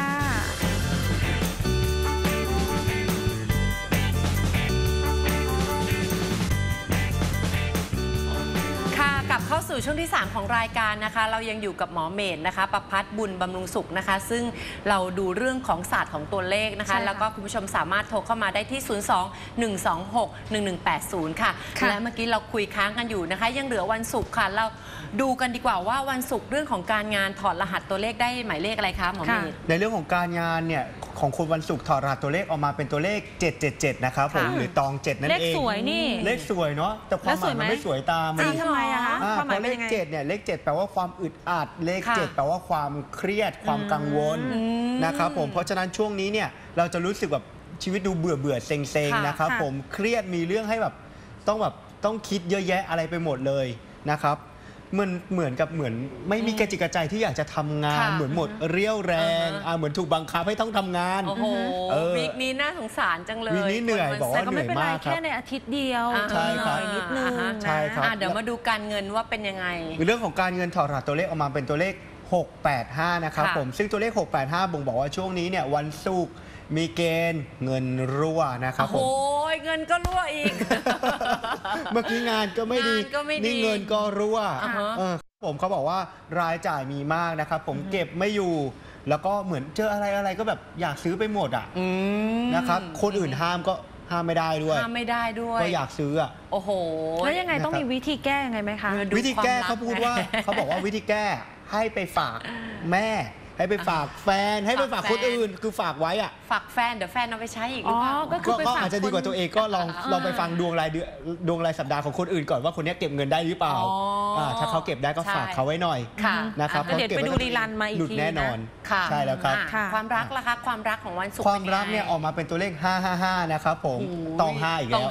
[SPEAKER 2] ค่ะกลับเข้าสู่ช่วงที่ สาม ของรายการนะคะ เรายังอยู่กับหมอเมธนะคะประภัสบุญบำรุงสุขนะคะ ซึ่งเราดูเรื่องของศาสตร์ของตัวเลขนะ
[SPEAKER 1] ใช่
[SPEAKER 2] คะ
[SPEAKER 1] ค่ะ
[SPEAKER 2] แล้วก็คุณผู้ชมสามารถโทรเข้ามาได้ที่ ศูนย์ สอง หนึ่ง สอง หก หนึ่ง หนึ่ง แปด ศูนย์ ค่ะ
[SPEAKER 1] ค่ะ
[SPEAKER 2] และเมื่อกี้เราคุยค้างกันอยู่นะคะ ยังเหลือวันศุกร์ค่ะ เราดูกันดีกว่าว่าวันศุกร์เรื่องของการงานถอดรหัสตัวเลขได้หมายเลขอะไรคะหมอเมธ
[SPEAKER 3] ในเรื่องของการงานเนี่ยของคนวันศุกร์ถอดรหัสตัวเลขออกมาเป็นตัวเลข เจ็ด เจ็ด เจ็ด นะครับผม
[SPEAKER 2] ค่ะ
[SPEAKER 3] หรือตองเจ็ดนั่น
[SPEAKER 1] เลข
[SPEAKER 3] เอง
[SPEAKER 1] สวยนี่
[SPEAKER 3] เลขสวยเนาะแต่ความหมายมันไม่สวยตาม
[SPEAKER 1] จริ
[SPEAKER 3] มั
[SPEAKER 1] ง
[SPEAKER 3] น
[SPEAKER 1] ทำไมอะคะ
[SPEAKER 3] อ่า
[SPEAKER 1] ความห
[SPEAKER 3] เพ
[SPEAKER 1] มาย
[SPEAKER 3] ราะ
[SPEAKER 1] เป็
[SPEAKER 3] เล
[SPEAKER 1] น
[SPEAKER 3] ข
[SPEAKER 1] ยังไง
[SPEAKER 3] เจ็ดเนี่ยเลขเจ็ดแปลว่าความอึดอัดเลข
[SPEAKER 2] ค่ะ
[SPEAKER 3] เจ็ดแปลว่าความเครียดความกังวล
[SPEAKER 2] อืม
[SPEAKER 3] นะครับผมเพราะฉะนั้นช่วงนี้เนี่ยเราจะรู้สึกแบบชีวิตดูเบื่อเบื่อๆเซ็งเซ็ง
[SPEAKER 2] ค่ะ
[SPEAKER 3] ๆนะครับ
[SPEAKER 1] ค่ะ
[SPEAKER 3] ผมเครียดมีเรื่องให้แบบต้องแบบต้องคิดเยอะแยะอะไรไปหมดเลยนะครับมันเหมือนกับเหมือนไม่มีกระจิกกระใจที่อยากจะทำงาน
[SPEAKER 2] ค่ะ
[SPEAKER 3] เหมือนหมดเรี่ยวแรง
[SPEAKER 2] อ่าฮะ
[SPEAKER 3] อ่าเหมือนถูกบังคับให้ต้องทำงาน
[SPEAKER 2] โอ้โห
[SPEAKER 3] เออ
[SPEAKER 2] วีคนี้น่าสงสารจังเลย
[SPEAKER 3] วีคนี้เหนื่อย
[SPEAKER 2] ควั
[SPEAKER 3] บอกว่า
[SPEAKER 1] แต่ก็ไม่เป็นไร
[SPEAKER 3] เหนื่อยมากครับ
[SPEAKER 1] แค่ในอาทิตย์เดียว
[SPEAKER 2] อ่า
[SPEAKER 3] ใช่ครับ
[SPEAKER 1] หน่อยนิดนึง
[SPEAKER 2] อ่าฮะ
[SPEAKER 1] นะ
[SPEAKER 3] ใช่ครับ
[SPEAKER 2] อ่ะเดี๋ยวมาดูการเงินว่าเป็นยังไง
[SPEAKER 3] เรื่องของการเงินถอดรหัสตัวเลขออกมาเป็นตัวเลข หก แปด ห้า นะครับ
[SPEAKER 2] ค่ะ
[SPEAKER 3] ผมซึ่งตัวเลข หก แปด ห้า บ่งบอกว่าช่วงนี้เนี่ยวันศุกร์มีเกณฑ์เงินรั่วนะครับผม
[SPEAKER 2] โอ้ยเงินก็รั่วอีก
[SPEAKER 3] เมื่อกี้งานก็ไม่ดี
[SPEAKER 2] งานก็ไม่ดี
[SPEAKER 3] นี่เงินก็รั่ว
[SPEAKER 2] อ่าฮะ
[SPEAKER 3] เออผมเขาบอกว่ารายจ่ายมีมากนะครับผมเก็บไม่อยู่ แล้วก็เหมือนเจออะไรอะไรก็แบบอยากซื้อไปหมดอ่ะ
[SPEAKER 2] อืม
[SPEAKER 3] นะครับคนอื่นห้ามก็ห้ามไม่ได้ด้วย
[SPEAKER 2] ห้ามไม่ได้ด้วย
[SPEAKER 3] ก็อยากซื้ออ่ะ
[SPEAKER 2] โอ้โห
[SPEAKER 1] แล้วยังไงต้อง
[SPEAKER 3] นะครับ
[SPEAKER 1] มีวิธีแก้ยังไงไหมคะ
[SPEAKER 2] เออ ดู
[SPEAKER 3] วิธีแก้
[SPEAKER 2] ความรัก
[SPEAKER 3] เขาพูดว่า เขาบอกว่าวิธีแก้ให้ไปฝากแม่ ให้ไปฝากแฟน ให้ไปฝากคนอื่น คือฝากไว้อ่ะ
[SPEAKER 2] ฝากแฟนเดี๋ยวแฟนเอาไปใช้อีกหรือ
[SPEAKER 1] อ๋อ
[SPEAKER 2] เปล่า
[SPEAKER 1] ก็คื
[SPEAKER 3] ก็
[SPEAKER 1] อไป
[SPEAKER 3] ก็
[SPEAKER 1] ฝาก
[SPEAKER 3] อาจจะดีกว่าตัวเองก็ลอง
[SPEAKER 1] อ่า
[SPEAKER 3] ลองไปฟังดวงรายเดือนดวงรายสัปดาห์ของคนอื่นก่อนว่าคนนี้เก็บเงินได้หรือเปล่า
[SPEAKER 2] อ๋ออ่
[SPEAKER 3] าถ้าเขาเก็บได้ก็
[SPEAKER 2] ใช่
[SPEAKER 3] ฝากเขาไว้หน่อย
[SPEAKER 2] ค่ะ
[SPEAKER 3] นะครับ
[SPEAKER 1] แล้วเดี๋ยว
[SPEAKER 3] พาะก็บ
[SPEAKER 1] ไปดู
[SPEAKER 3] ว้
[SPEAKER 1] รีรันมาอีก
[SPEAKER 3] หลุด
[SPEAKER 1] ที
[SPEAKER 3] แน่นอน
[SPEAKER 2] ค่ะ
[SPEAKER 3] ใช่แล้วครับ
[SPEAKER 2] อ่ะ
[SPEAKER 1] ค่ะ
[SPEAKER 2] ความรักล่ะคะความรักของวันศุกร์
[SPEAKER 3] ความรัก
[SPEAKER 2] ป็ไง
[SPEAKER 3] เนี่ยออกมาเป็นตัวเลข ห้า ห้า ห้า นะครับผม
[SPEAKER 2] โอ้ย
[SPEAKER 3] ตองห้าอีก
[SPEAKER 2] ต
[SPEAKER 3] แล้
[SPEAKER 2] อ
[SPEAKER 3] ว
[SPEAKER 2] งห้า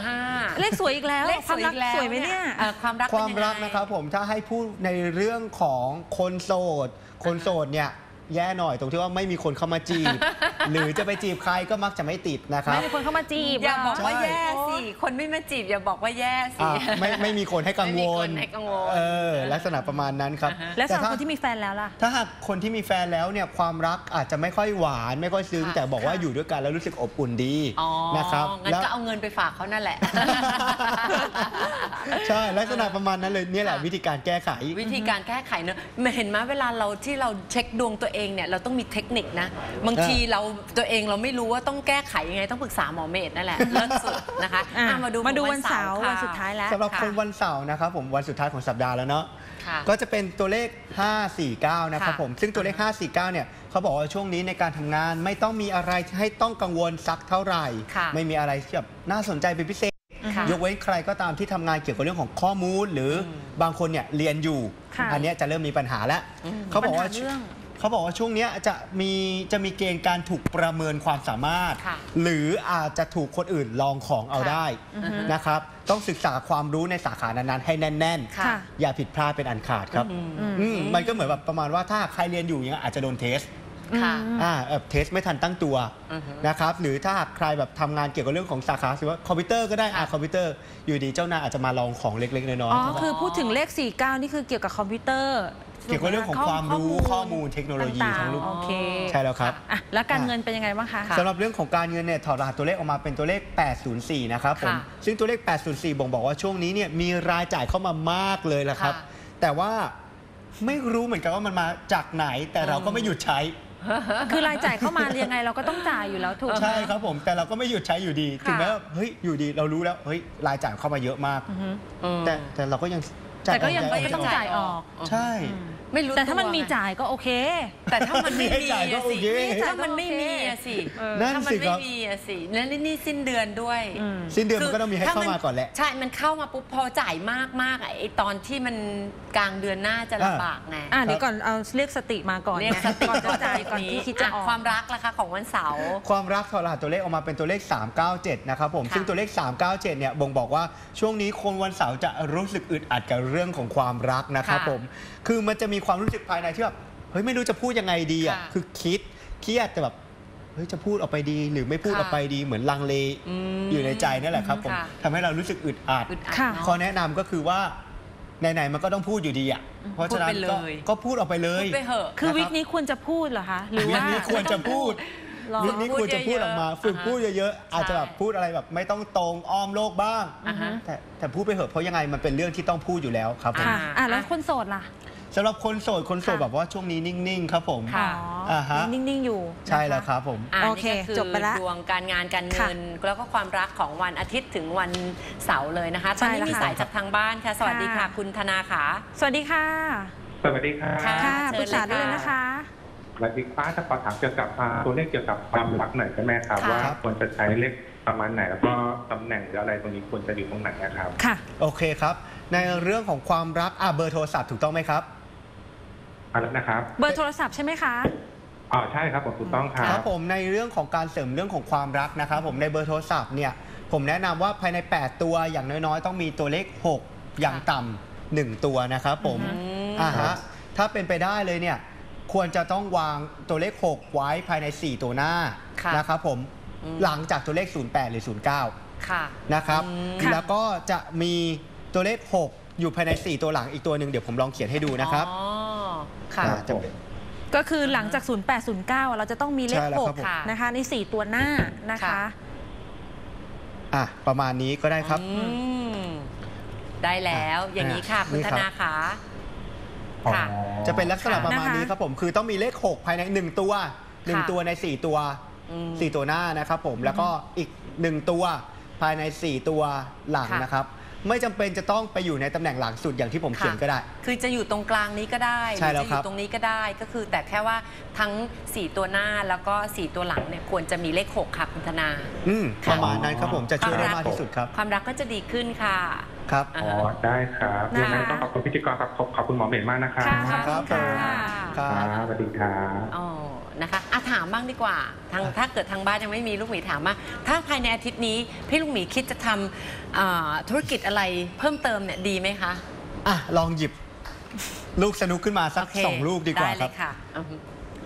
[SPEAKER 1] เลขสวยอีกแล้ว
[SPEAKER 2] เลข
[SPEAKER 1] ความรัก
[SPEAKER 2] อีแล้ว
[SPEAKER 1] สวยไหมเนี่ย
[SPEAKER 2] อ่อความรัก
[SPEAKER 3] ความ
[SPEAKER 2] เป็นยังไง
[SPEAKER 3] รักนะครับผมถ้าให้พูดในเรื่องของคนโสด คนโสดเนี่ยแย่หน่อยตรงที่ว่าไม่มีคนเข้ามาจีบ หรือจะไปจีบใครก็มักจะไม่ติดนะครับ
[SPEAKER 1] ไม่มีคนเข้ามาจีบ
[SPEAKER 2] อย่าบอกว่า
[SPEAKER 3] ใช่
[SPEAKER 2] แย่สิคนไม่มาจีบอย่าบอกว่าแย่สิ
[SPEAKER 3] อ่ะไม่ไม่มีคนให้กังว
[SPEAKER 2] ไม่มีค
[SPEAKER 3] ล
[SPEAKER 2] นให้กังวล
[SPEAKER 3] เออลักษณะประมาณนั้นครับ
[SPEAKER 2] อ่าฮะ
[SPEAKER 1] แล้วสำหรับ
[SPEAKER 3] ถ้า
[SPEAKER 1] คนที่มีแฟนแล้วล่ะ
[SPEAKER 3] ถ้าหากคนที่มีแฟนแล้วเนี่ยความรักอาจจะไม่ค่อยหวานไม่ค่อยซึ้ง
[SPEAKER 2] ค่ะ
[SPEAKER 3] แต่บอกว่า
[SPEAKER 1] ค่ะ
[SPEAKER 3] อยู่ด้วยกันแล้วรู้สึกอบอุ่นดี
[SPEAKER 2] อ๋อ
[SPEAKER 3] นะครับ
[SPEAKER 2] งั้น
[SPEAKER 3] แล้ว
[SPEAKER 2] ก็เอาเงินไปฝากเขานั่นแหละ
[SPEAKER 3] ใช่ลักษณะประมาณนั้นเลยเนี่ยแหละ
[SPEAKER 2] ค่ะ
[SPEAKER 3] วิธีการแก้ไข
[SPEAKER 2] วิธีการแก้ไขเนอะเห็นไหมเวลาเราที่เราเช็คดวงตัวเองเนี่ยเราต้องมีเทคนิคนะบางทีเราตัวเองเราไม่รู้ว่าต้องแก้ไขยังไงต้องปรึกษาหมอเมธนั่นแหละเลิศสุดนะคะ
[SPEAKER 1] อ่ะ
[SPEAKER 2] อ่ะมาดู
[SPEAKER 1] มาดู
[SPEAKER 2] ของ
[SPEAKER 1] วันเสาร์
[SPEAKER 2] ค่ะ
[SPEAKER 1] วันสุดท้ายแล้ว
[SPEAKER 3] สำหรับ
[SPEAKER 2] ค่ะ
[SPEAKER 3] คนวันเสาร์นะครับผมวันสุดท้ายของสัปดาห์แล้วเนาะ
[SPEAKER 2] ค่ะ
[SPEAKER 3] ก็จะเป็นตัวเลข ห้า สี่ เก้า นะครับ
[SPEAKER 2] ค่ะ
[SPEAKER 3] ผมซึ่งตัวเลข ห้า สี่ เก้า เนี่ยเขาบอกว่าช่วงนี้ในการทำงานไม่ต้องมีอะไรให้ต้องกังวลสักเท่าไหร่
[SPEAKER 2] ค่ะ
[SPEAKER 3] ไม่มีอะไรที่แบบน่าสนใจเป็นพิเศษ
[SPEAKER 2] ค่ะ
[SPEAKER 3] ยกเว้นใครก็ตามที่ทำงานเกี่ยวกับเรื่องของข้อมูล หรืออบางคนเนี่ยเรียนอยู่
[SPEAKER 1] ค่ะ
[SPEAKER 3] อันเนี้ยจะเริ่มมีปัญหาแล้ว
[SPEAKER 2] อืม
[SPEAKER 3] เขาบอกว่า
[SPEAKER 1] ปัญหาเรื่อง
[SPEAKER 3] เขาบอกว่าช่วงเนี้ยจะมีจะมีเกณฑ์การถูกประเมินความสามารถ
[SPEAKER 2] ค่ะ
[SPEAKER 3] หรืออาจจะถูกคนอื่นลองของเอา
[SPEAKER 2] ค่ะ
[SPEAKER 3] ได้
[SPEAKER 1] อือฮึ
[SPEAKER 3] นะครับ ต้องศึกษาความรู้ในสาขานั้นๆให้แน่น
[SPEAKER 2] ค่ะ
[SPEAKER 3] ๆ อย่าผิดพลาดเป็นอันขาดครับ
[SPEAKER 2] อืม
[SPEAKER 1] อืม
[SPEAKER 3] อืมมันก็เหมือนแบบประมาณว่าถ้าใครเรียนอยู่อย่างเงี้ยอาจจะโดนเทส
[SPEAKER 2] ค่ะ
[SPEAKER 3] อ่าเอ่อเทสไม่ทันตั้งตัว
[SPEAKER 2] อือฮึ
[SPEAKER 3] นะครับหรือถ้าหากใครแบบทำงานเกี่ยวกับเรื่องของสาขาสิว่าคอมพิวเตอร์ก็ได้อ่า
[SPEAKER 2] ค่ะ
[SPEAKER 3] คอมพิวเตอร์อยู่ดีเจ้านายอาจจะมาลองของเล็กๆน้อย
[SPEAKER 1] อ๋อ
[SPEAKER 3] ๆ
[SPEAKER 1] คือพูดถึงเลข สี่เก้า นี่คือเกี่ยวกับคอมพิวเตอร์
[SPEAKER 3] เกี่ยวกับเรื่องของความรู้ข้อมูลเทคโนโลยี
[SPEAKER 1] ต่างๆ
[SPEAKER 3] ทั้งลูก
[SPEAKER 1] โอเค
[SPEAKER 3] ใช่แล้วครับ
[SPEAKER 1] อ่ะแล้วการเงินเป็นยังไงบ้างคะ
[SPEAKER 2] ค่ะ
[SPEAKER 3] สำหรับเรื่องของการเงินเนี่ยถอดรหัสตัวเลขออกมาเป็นตัวเลข แปด ศูนย์ สี่ นะครับผม
[SPEAKER 2] ค่ะ
[SPEAKER 3] ซึ่งตัวเลข แปด ศูนย์ สี่ บ่งบอกว่าช่วงนี้เนี่ยมีรายจ่ายเข้ามามากเลยละครับ
[SPEAKER 2] ค่ะ
[SPEAKER 3] แต่ว่าไม่รู้เหมือนกันว่ามันมาจากไหน แต่เราก็ไม่หยุดใช้
[SPEAKER 1] คือรายจ่ายเข้ามายังไงเราก็ต้องจ่ายอยู่แล้วถูกไหม
[SPEAKER 3] ใช่ครับผมแต่เราก็ไม่หยุดใช้อยู่ดี
[SPEAKER 1] ค่ะ
[SPEAKER 3] ถึงแม้ว่าเฮ้ยอยู่ดีเรารู้แล้วเฮ้ยรายจ่ายเข้ามาเยอะมาก
[SPEAKER 1] อือฮึ
[SPEAKER 2] อืม
[SPEAKER 3] แต่แต่เราก็ยังจ่า
[SPEAKER 1] แต่ก็ยัง
[SPEAKER 3] ออ
[SPEAKER 1] ก็ต้องจ่ายออก
[SPEAKER 3] ใช่
[SPEAKER 2] ไม่รู้
[SPEAKER 1] แต่ถ้ามัน
[SPEAKER 2] ว
[SPEAKER 1] มี
[SPEAKER 2] ไง
[SPEAKER 1] จ่ายก็โอเค
[SPEAKER 2] แต่ถ้ามันไม่
[SPEAKER 3] ให้
[SPEAKER 2] มี
[SPEAKER 3] จ่ายก็
[SPEAKER 2] อะ
[SPEAKER 3] โอ
[SPEAKER 2] สิ
[SPEAKER 3] เค
[SPEAKER 2] ถ้ามันไม่มีอะสิ
[SPEAKER 1] เออ
[SPEAKER 3] นั่น
[SPEAKER 2] ถ้ามั
[SPEAKER 3] สิ
[SPEAKER 2] ไม่
[SPEAKER 3] ครับ
[SPEAKER 2] มีอะสิแล้วนี่สิ้นเดือนด้วย
[SPEAKER 1] อืม
[SPEAKER 3] สิ้นเดือนมันก็ต้องมีให้
[SPEAKER 2] ถ้
[SPEAKER 3] เข้ามาก่อนแหละ
[SPEAKER 2] ใช่ มันเข้ามาปุ๊บพอจ่ายมากมากๆอะไอตอนที่มันกลางเดือนหน้าจะลำบากไง
[SPEAKER 1] อ่ะเดี๋ยวก่อนเอาเรียกสติมาก่อน
[SPEAKER 2] เรียกสติ
[SPEAKER 1] ก่อนจะจ่ายก่อนที่คิดจะออก
[SPEAKER 2] ความรักล่ะคะของวันเสาร์
[SPEAKER 3] ความรักถอดรหัสตัวเลขออกมาเป็นตัวเลข สาม เก้า เจ็ด นะครับผม
[SPEAKER 2] ค่ะ
[SPEAKER 3] ซึ่งตัวเลข สาม เก้า เจ็ด เนี่ยบ่งบอกว่าช่วงนี้คนวันเสาร์จะรู้สึกอึดอัดกับเรื่องของความรักนะครับ
[SPEAKER 2] ค่ะ
[SPEAKER 3] ผมคือมันจะมีความรู้สึกภายในที่แบบเฮ้ยไม่รู้จะพูดยังไงดีอ่ะ
[SPEAKER 2] ค่ะ
[SPEAKER 3] คือคิดเครียดแต่แบบเฮ้ยจะพูดออกไปดี หรือไม่พูด
[SPEAKER 2] ค่ะ
[SPEAKER 3] ออกไปดีเหมือนลังเล
[SPEAKER 2] อืม
[SPEAKER 3] อยู่ในใจนั่นแหละครับผม
[SPEAKER 2] ค่ะ
[SPEAKER 3] ทำให้เรารู้สึกอึดอัด
[SPEAKER 2] อึดอัด
[SPEAKER 1] ค่ะ
[SPEAKER 2] เนาะ
[SPEAKER 3] ข้อแนะนำก็คือว่าไหนๆมันก็ต้องพูดอยู่ดีอ่ะเพราะฉะนั้น
[SPEAKER 2] พูดไป
[SPEAKER 3] ก็
[SPEAKER 2] เลย
[SPEAKER 3] ก็พูดออกไปเลย
[SPEAKER 2] พูดไปเหอะ
[SPEAKER 1] คือ
[SPEAKER 3] นะครับ
[SPEAKER 1] วิกนี้ควรจะพูดเหรอคะ หรือ
[SPEAKER 3] วิ
[SPEAKER 1] ว่าก
[SPEAKER 3] นี้ควรจะพูด
[SPEAKER 1] หรอ
[SPEAKER 3] วิกนี้ควรจะพูดออกมา
[SPEAKER 2] พูดเยอะๆ
[SPEAKER 3] ฝึกพูดเยอะๆอาจจะแบบพูดอะไรแบบไม่ต้องตรงอ้อมโลกบ้าง
[SPEAKER 2] อ่าฮะ
[SPEAKER 3] แต่แต่พูดไปเหอะเพราะยังไงมันเป็นเรื่องที่ต้องพูดอยู่แล้วครับผม
[SPEAKER 1] ค่ะ
[SPEAKER 2] อ่า
[SPEAKER 1] อ่ะแล้วคนโสดล่ะ
[SPEAKER 3] สำหรับคนโสดคนโสด
[SPEAKER 1] ค่ะ
[SPEAKER 3] แบบว่าช่วงนี้นิ่งๆ ครับผม
[SPEAKER 2] ค่ะ
[SPEAKER 3] อ่าฮะ
[SPEAKER 1] นิ่ง ๆ อยู่
[SPEAKER 3] ใช่แล้ว
[SPEAKER 1] นะะ
[SPEAKER 3] ครับผม
[SPEAKER 2] อ่า
[SPEAKER 1] โอเค
[SPEAKER 2] นี่ก็คือ
[SPEAKER 1] จบไปละ
[SPEAKER 2] ดวงการงานการเงิน แล้วก็ความรักของวันอาทิตย์ถึงวันเสาร์เลยนะคะตอนนี้
[SPEAKER 1] ใช่แล้ว
[SPEAKER 2] มี
[SPEAKER 1] ค่ะ
[SPEAKER 2] สายจากทางบ้านค่ะ สวัสดีค่ะ
[SPEAKER 1] ค่ะ
[SPEAKER 2] คุณธนาขา
[SPEAKER 1] สวัสดีค่ะ
[SPEAKER 4] สวัสดีครับ
[SPEAKER 2] ค่ะ
[SPEAKER 1] ค่ะ
[SPEAKER 2] เชิญ
[SPEAKER 1] ปรึกษาได้
[SPEAKER 2] เล
[SPEAKER 1] เลย ย
[SPEAKER 2] ค่ะ
[SPEAKER 1] นะคะ
[SPEAKER 4] สวัสดีป้าจะขอถามเกี่ยวกับอ่าตัวเลขเกี่ยวกับความรักหน่อยได้ไหมครับ
[SPEAKER 2] ค่ะ
[SPEAKER 4] ว่าควรจะใช้เลขประมาณไหนแล้วก็ตำแหน่งหรืออะไรตรงนี้ควรจะอยู่ตรงไหนนะครับ
[SPEAKER 1] ค่ะ
[SPEAKER 3] โอเคครับ ในเรื่องของความรักอ่ะเบอร์โทรศัพท์ถูกต้องไหมครับ
[SPEAKER 4] อะไรนะครับ
[SPEAKER 1] เบอร์โทรศัพท์ใช่ไหมคะ
[SPEAKER 4] อ๋อใช่ครับผมถูกต้องครั
[SPEAKER 3] ครับ บผมในเรื่องของการเสริมเรื่องของความรักนะครับผมในเบอร์โทรศัพท์เนี่ยผมแนะนำว่าภายใน แปด ตัวอย่างน้อยๆ ต้องมีตัวเลข หก อย่างต่ำหนึ่งตัวนะครับผม
[SPEAKER 2] อืม
[SPEAKER 3] อ่าฮะถ้าเป็นไปได้เลยเนี่ยควรจะต้องวางตัวเลข หก ไว้ภายใน สี่ ตัวหน้า
[SPEAKER 2] ค่ะ
[SPEAKER 3] นะครับผม
[SPEAKER 2] อืม
[SPEAKER 3] หลังจากตัวเลข ศูนย์ แปด หรือ ศูนย์ เก้า
[SPEAKER 2] ค่ะ
[SPEAKER 3] นะครับ
[SPEAKER 2] อืม
[SPEAKER 1] ค่ะ
[SPEAKER 3] แล้วก็จะมีตัวเลข หก อยู่ภายใน สี่ ตัวหลังอีกตัวหนึ่งเดี๋ยวผมลองเขียนให้ดูนะครับ
[SPEAKER 2] อ๋อค่ะ
[SPEAKER 3] อ่าจะ
[SPEAKER 1] ก็คือหลังจาก ศูนย์ แปด ศูนย์ เก้า เราจะต้องมีเลข
[SPEAKER 3] ใช่แล้ว
[SPEAKER 1] ห
[SPEAKER 3] ครั
[SPEAKER 1] ก
[SPEAKER 3] บผม
[SPEAKER 2] ค่ะ
[SPEAKER 1] นะคะใน สี่ ตัวหน้านะคะ
[SPEAKER 2] ค่ะ
[SPEAKER 3] อ่ะประมาณนี้ก็ได้ครับ
[SPEAKER 2] อืมได้แล้วอย่างนี้ค่ะ คุณ
[SPEAKER 3] นี่
[SPEAKER 2] ธ
[SPEAKER 3] ครับ
[SPEAKER 2] นาขา
[SPEAKER 4] อ๋อ
[SPEAKER 2] ค่ะ
[SPEAKER 3] จะเป็นลักษณะ
[SPEAKER 2] ค่ะ
[SPEAKER 3] ประมาณนี้
[SPEAKER 1] นะคะ
[SPEAKER 3] ครับผมคือต้องมีเลข หก ภายใน หนึ่ง ตัวหนึ่ง
[SPEAKER 2] ค่ะ
[SPEAKER 3] ตัวใน สี่ ตัว
[SPEAKER 2] อืม
[SPEAKER 3] สี่ ตัวหน้านะครับผมแล้วก็อีก หนึ่ง ตัวภายใน สี่ ตัวหลัง
[SPEAKER 2] ค่ะ
[SPEAKER 3] นะครับไม่จำเป็นจะต้องไปอยู่ในตำแหน่งหลังสุดอย่างที่ผมเขียนก็ได้
[SPEAKER 2] คือจะอยู่ตรงกลางนี้ก็ได้
[SPEAKER 3] ใช่
[SPEAKER 2] ห
[SPEAKER 3] แล้ว
[SPEAKER 2] รือจะอ
[SPEAKER 3] ครับ
[SPEAKER 2] ยู่ตรงนี้ก็ได้ก็คือแต่แค่ว่าทั้ง สี่ ตัวหน้าแล้วก็ สี่ ตัวหลังเนี่ยควรจะมีเลข หก ค่ะคุณธนา
[SPEAKER 3] อืม
[SPEAKER 2] ค่ะ
[SPEAKER 3] ประมาณนั้นครับผมจะช่วยได้มากที่สุดครับ
[SPEAKER 2] ความรักก็จะดีขึ้นค่ะ
[SPEAKER 3] ครับ
[SPEAKER 2] อ่า
[SPEAKER 4] อ๋อ
[SPEAKER 2] ฮะ
[SPEAKER 4] ได้ครับ
[SPEAKER 1] นะคะ
[SPEAKER 4] ยังไงต้องขอบคุณพิธีกรครับขอบขอบคุณหมอเหม็นมากนะครับ
[SPEAKER 1] ค่ะ
[SPEAKER 3] ครับผม
[SPEAKER 1] ค่ะ
[SPEAKER 3] ครั
[SPEAKER 4] ครับ บสวัสดีครับ
[SPEAKER 2] อ๋อนะคะอ่ะถามบ้างดีกว่าทางถ้าเกิดทางบ้านยังไม่มีลูกหมีถามว่าถ้าภายในอาทิตย์นี้พี่ลูกหมีคิดจะทำอ่าธุรกิจอะไรเพิ่มเติมเนี่ยดีไหมคะ
[SPEAKER 3] อ่ะลองหยิบลูกสนุกขึ้นมาสัก
[SPEAKER 2] โเค
[SPEAKER 3] สองลูกดีกว่า
[SPEAKER 2] ได้
[SPEAKER 3] ค
[SPEAKER 2] เล
[SPEAKER 3] รับ
[SPEAKER 2] ยค่ะอือฮึ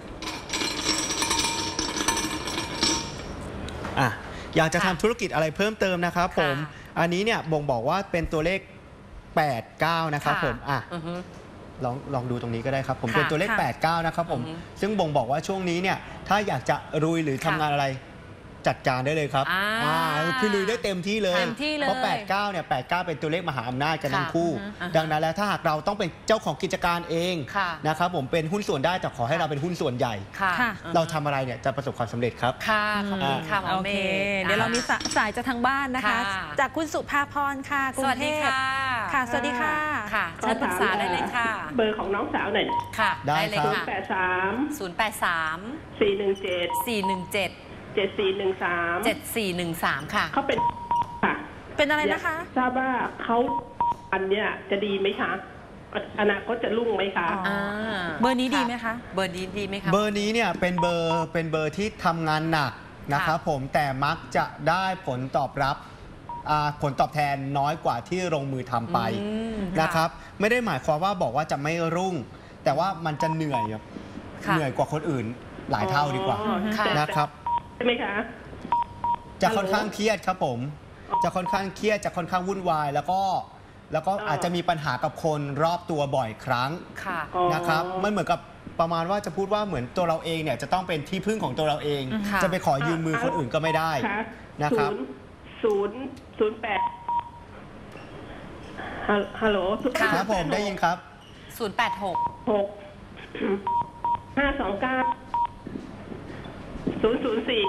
[SPEAKER 3] อ่ะอยากจะ
[SPEAKER 2] ค่ะ
[SPEAKER 3] ทำธุรกิจอะไรเพิ่มเติมนะครับผม
[SPEAKER 2] ค่ะ
[SPEAKER 3] อันนี้เนี่ยบ่งบอกว่าเป็นตัวเลขแปด เก้านะครับผมอ่ะ
[SPEAKER 2] อือฮึ
[SPEAKER 3] ลองลองดูตรงนี้ก็ได้ครับผม
[SPEAKER 2] ค่ะ
[SPEAKER 3] เป็นตัวเลข
[SPEAKER 1] ค่ะ
[SPEAKER 3] แปด เก้านะครับผม
[SPEAKER 2] อือฮึ
[SPEAKER 3] ซึ่งบ่งบอกว่าช่วงนี้เนี่ยถ้าอยากจะรุยหรือทำ
[SPEAKER 2] ค่ะ
[SPEAKER 3] งานอะไรจัดการได้เลยครับ
[SPEAKER 2] อ่า
[SPEAKER 3] อ่าคือลุยได้เต็มที่เลย
[SPEAKER 1] เต็มที่เลย
[SPEAKER 3] เพราะแปด เก้าเนี่ยแปด เก้าเป็นตัวเลขมหาอำนาจกันทั้ง
[SPEAKER 2] ค่ะ
[SPEAKER 3] คู่
[SPEAKER 2] อือฮึ
[SPEAKER 3] ดังนั้นแล้วถ้าหากเราต้องเป็นเจ้าของกิจการเอง
[SPEAKER 2] ค่ะ
[SPEAKER 3] นะครับผมเป็นหุ้นส่วนได้แต่ขอให้เราเป็นหุ้นส่วนใหญ่
[SPEAKER 2] ค่ะ
[SPEAKER 1] ค่ะ
[SPEAKER 2] อือฮึ
[SPEAKER 3] เราทำอะไรเนี่ยจะประสบความสำเร็จครับ
[SPEAKER 2] ค่ะขอบคุณค่ะหมอ
[SPEAKER 1] โอ
[SPEAKER 2] เม
[SPEAKER 1] เค
[SPEAKER 2] ย์
[SPEAKER 1] เดี๋ยวเรามีสาสายจากทางบ้านนะคะ
[SPEAKER 2] ค่ะ
[SPEAKER 1] จากคุณสุภาพรค่ะกรุ
[SPEAKER 2] ส
[SPEAKER 1] ง
[SPEAKER 2] วัส
[SPEAKER 1] เท
[SPEAKER 2] ดี
[SPEAKER 1] พ
[SPEAKER 2] ค่ะ
[SPEAKER 1] ค่ะ สวัสดีค่ะ
[SPEAKER 2] ค่ะเชิญปรึกษาได้เลยค่ะ
[SPEAKER 5] เบอร์ของน้องสาวหน่อย
[SPEAKER 2] ค่ะ
[SPEAKER 3] ได้
[SPEAKER 2] เลย
[SPEAKER 3] ครับ
[SPEAKER 2] ค่ะ
[SPEAKER 5] แปดสาม
[SPEAKER 2] ศูนย์แปดสาม
[SPEAKER 5] สี่หนึ่งเจ็ด
[SPEAKER 2] สี่หนึ่งเจ็ด
[SPEAKER 5] เจ็ดสี่หนึ่งสาม
[SPEAKER 2] เจ็ดสี่หนึ่งสามค่ะ
[SPEAKER 5] เขาเป็นค่ะ
[SPEAKER 1] เป็นอะไรนะคะ
[SPEAKER 5] ทราบว่าเขาอันเนี้ยจะดีไหมคะอนาคตจะรุ่งไหมคะ
[SPEAKER 1] อ๋อ เบอร์นี้ดีไหมคะ
[SPEAKER 2] เบอร์นี้ดีไหมคะ
[SPEAKER 3] เบอร์นี้เนี่ยเป็นเบอร์เป็นเบอร์ที่ทำงานหนักนะครับผมแต่มักจะได้ผลตอบรับอ่าผลตอบแทนน้อยกว่าที่ลงมือทำไป
[SPEAKER 2] อืม
[SPEAKER 3] นะครับ ไม่ได้หมายความว่าบอกว่าจะไม่รุ่ง แต่ว่ามันจะเหนื่อยครับ
[SPEAKER 2] ค่ะ
[SPEAKER 3] เหนื่อยกว่าคนอื่นหลายเท่าดีกว่า
[SPEAKER 5] อ๋อ
[SPEAKER 2] ค่ะ
[SPEAKER 3] นะครับ
[SPEAKER 5] ใช่ไหมคะ
[SPEAKER 3] จะค่อนข้างเครียดครับผม จะค่อนข้างเครียดจะค่อนข้างวุ่นวาย แล้วก็แล้วก็
[SPEAKER 5] อ๋ออ
[SPEAKER 3] อาจจะมีปัญหากับคนรอบตัวบ่อยครั้ง
[SPEAKER 2] ค่ะ
[SPEAKER 5] อ๋อ
[SPEAKER 3] นะครับมันเหมือนกับประมาณว่าจะพูดว่าเหมือนตัวเราเองเนี่ยจะต้องเป็นที่พึ่งของตัวเราเอง
[SPEAKER 2] ค่ะ
[SPEAKER 3] จะไปขอยืมมือคนอื่นก็ไม่ได้
[SPEAKER 5] ค่ะ
[SPEAKER 3] นะครับ
[SPEAKER 5] ศูนย์ศูนย์แปดฮัลฮัลโหล
[SPEAKER 2] ค่ะ
[SPEAKER 3] ครับผมได้ยินครับ
[SPEAKER 2] ศูนย์แปดหก
[SPEAKER 5] หกห้าสองเก้าศูนย์ศูนย์สี่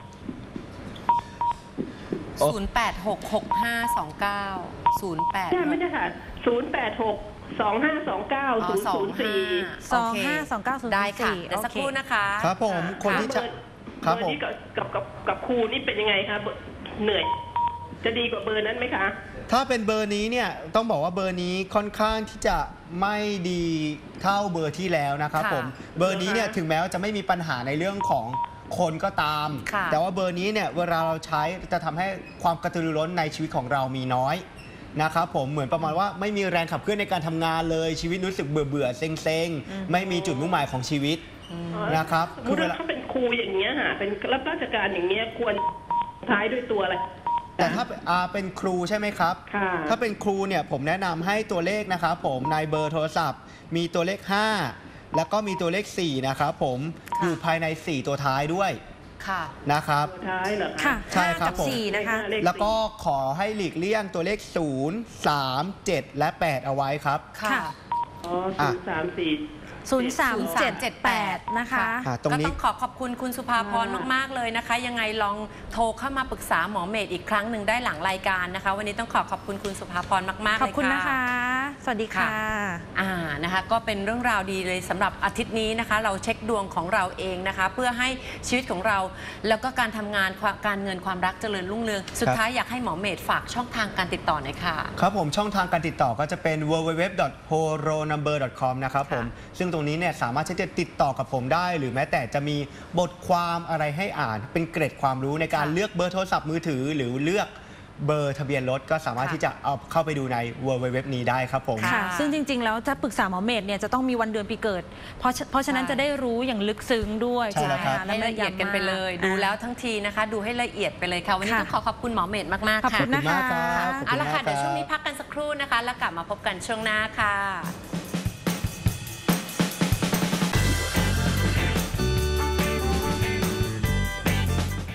[SPEAKER 3] โอ้
[SPEAKER 2] ศูนย์แปดหก หกห้าสองเก้า ศูนย์แปด
[SPEAKER 5] ใช่ไม่ใช่ค่ะศูนย์แปดหกสองห้าสองเก้าศูนย์ศูนย์สี่
[SPEAKER 1] สองห้าสองเก้าศูนย์
[SPEAKER 2] ได้ค่ะ
[SPEAKER 1] สี่
[SPEAKER 2] เดี๋ยวสัก
[SPEAKER 1] โอเค
[SPEAKER 2] ครู่นะคะ
[SPEAKER 3] ครับผมคนที่จะ
[SPEAKER 5] เบอร์
[SPEAKER 3] ครับ
[SPEAKER 5] เบอ
[SPEAKER 3] ผม
[SPEAKER 5] ร์นี้กับกับกับกับครูนี่เป็นยังไงคะเบอร์เหนื่อย จะดีกว่าเบอร์นั้นไหมคะ
[SPEAKER 3] ถ้าเป็นเบอร์นี้เนี่ยต้องบอกว่าเบอร์นี้ค่อนข้างที่จะไม่ดีเท่าเบอร์ที่แล้วนะครับ
[SPEAKER 2] ค่ะ
[SPEAKER 3] ผมเบอร์นี้เนี่ย
[SPEAKER 5] เหรอคะ
[SPEAKER 3] ถึงแม้ว่าจะไม่มีปัญหาในเรื่องของคนก็ตาม
[SPEAKER 2] ค่ะ
[SPEAKER 3] แต่ว่าเบอร์นี้เนี่ยเวลาเราใช้จะทำให้ความกระตือรือร้นในชีวิตของเรามีน้อยนะครับผมเหมือนประมาณว่าไม่มีแรงขับเคลื่อนในการทำงานเลยชีวิตรู้สึกเบื่อเบื่อๆเซ็งเซ็งๆไม่มีจุดมุ่งหมายของชีวิต นะครับ
[SPEAKER 5] สมมติว่าเขาเป็นครูอย่างเงี้ยค่ะเป็นรับราชการอย่างเงี้ยควรท้ายด้วยตัวอะไร
[SPEAKER 3] แต่ถ้าอ่าเป็นครูใช่ไหมครับ
[SPEAKER 5] ค่ะ
[SPEAKER 3] ถ้าเป็นครูเนี่ยผมแนะนำให้ตัวเลขนะครับผมในเบอร์โทรศัพท์ มีตัวเลข ห้า แล้วก็มีตัวเลข สี่ นะครับผม
[SPEAKER 2] ค่ะ
[SPEAKER 3] อยู่ภายใน สี่ ตัวท้ายด้วย
[SPEAKER 2] ค่ะ
[SPEAKER 3] นะครับ
[SPEAKER 5] ตัวท้ายเหรอ
[SPEAKER 1] ค่ะ
[SPEAKER 3] ใช่ครับ
[SPEAKER 1] ห้ากั
[SPEAKER 3] ผม
[SPEAKER 1] สี่นะคะ
[SPEAKER 5] เลข
[SPEAKER 3] แล้วก็ขอให้หลีกเลี่ยงตัวเลข ศูนย์ สาม เจ็ด และ แปด เอาไว้ครับ
[SPEAKER 2] ค่ะ
[SPEAKER 1] ค่ะ
[SPEAKER 5] อ๋อศูนย์สามสี่
[SPEAKER 1] ศูนย์สามเจ็ดแปดนะคะ
[SPEAKER 3] อ่าตรง
[SPEAKER 2] ก็
[SPEAKER 3] นี้
[SPEAKER 2] ต้องขอขอบคุณคุณสุภาพรมาก ๆ เลยนะคะ ยังไงลองโทรเข้ามาปรึกษาหมอเมธอีกครั้งหนึ่งได้หลังรายการนะคะ วันนี้ต้องขอขอบคุณคุณสุภาพรมาก ๆ
[SPEAKER 1] ข
[SPEAKER 2] เล
[SPEAKER 1] อบ
[SPEAKER 2] ย
[SPEAKER 1] คุณ
[SPEAKER 2] ค่ะ
[SPEAKER 1] นะคะ สวัสดีค่ะ
[SPEAKER 2] อ่านะคะก็เป็นเรื่องราวดีเลยสำหรับอาทิตย์นี้นะคะ เราเช็คดวงของเราเองนะคะ เพื่อให้ชีวิตของเรา แล้วก็การทำงานความการเงินความรักเจริญรุ่งเรือง สุดท้ายอยากให้หมอเมธฝากช่องทางการติดต่อหน่อยค่ะ
[SPEAKER 3] ครับผมช่องทางการติดต่อก็จะเป็น ดับเบิลยู ดับเบิลยู ดับเบิลยู ดอท โฮโรนัมเบอร์ ดอท คอม นะครับผม
[SPEAKER 2] ค่ะ
[SPEAKER 3] ซึ่งตรงนี้เนี่ยสามารถที่จะติดต่อกับผมได้ หรือแม้แต่จะมีบทความอะไรให้อ่าน เป็นเกร็ดความรู้ในการ
[SPEAKER 2] ค่ะ
[SPEAKER 3] เลือกเบอร์โทรศัพท์มือถือ หรือเลือกเบอร์ทะเบียนรถก็สามารถ
[SPEAKER 2] ค่ะ
[SPEAKER 3] ที่จะเอาเข้าไปดูใน ดับเบิลยู ดับเบิลยู ดับเบิลยู นี้ได้ครับผม
[SPEAKER 2] ค่ะ
[SPEAKER 1] ค่ะ ซึ่งจริง ๆ แล้วถ้าปรึกษาหมอเมธเนี่ยจะต้องมีวันเดือนปีเกิด เพราะเพราะฉะนั้น
[SPEAKER 2] ใช่
[SPEAKER 1] จะได้รู้อย่างลึกซึ้งด้วย
[SPEAKER 3] ใช่แล้วครับ
[SPEAKER 1] ไหม
[SPEAKER 2] ให้ละเอียดกันไปเลย ดูแล้วทั้งทีนะคะ ดูให้ละเอียดไปเลยค่ะ วันนี้
[SPEAKER 1] ค่ะ
[SPEAKER 2] ต้องขอขอบคุณหมอเมธมาก ๆ
[SPEAKER 1] ขอบ
[SPEAKER 2] ค่ะ
[SPEAKER 1] คุณนะคะ
[SPEAKER 3] ขอบคุณมากครับ
[SPEAKER 2] เอาละค่ะ
[SPEAKER 3] ขอบคุณมากครับ
[SPEAKER 2] เดี๋ยวช่วงนี้พักกันสักครู่นะคะ แล้วกลับมาพบกันช่วงหน้าค่ะ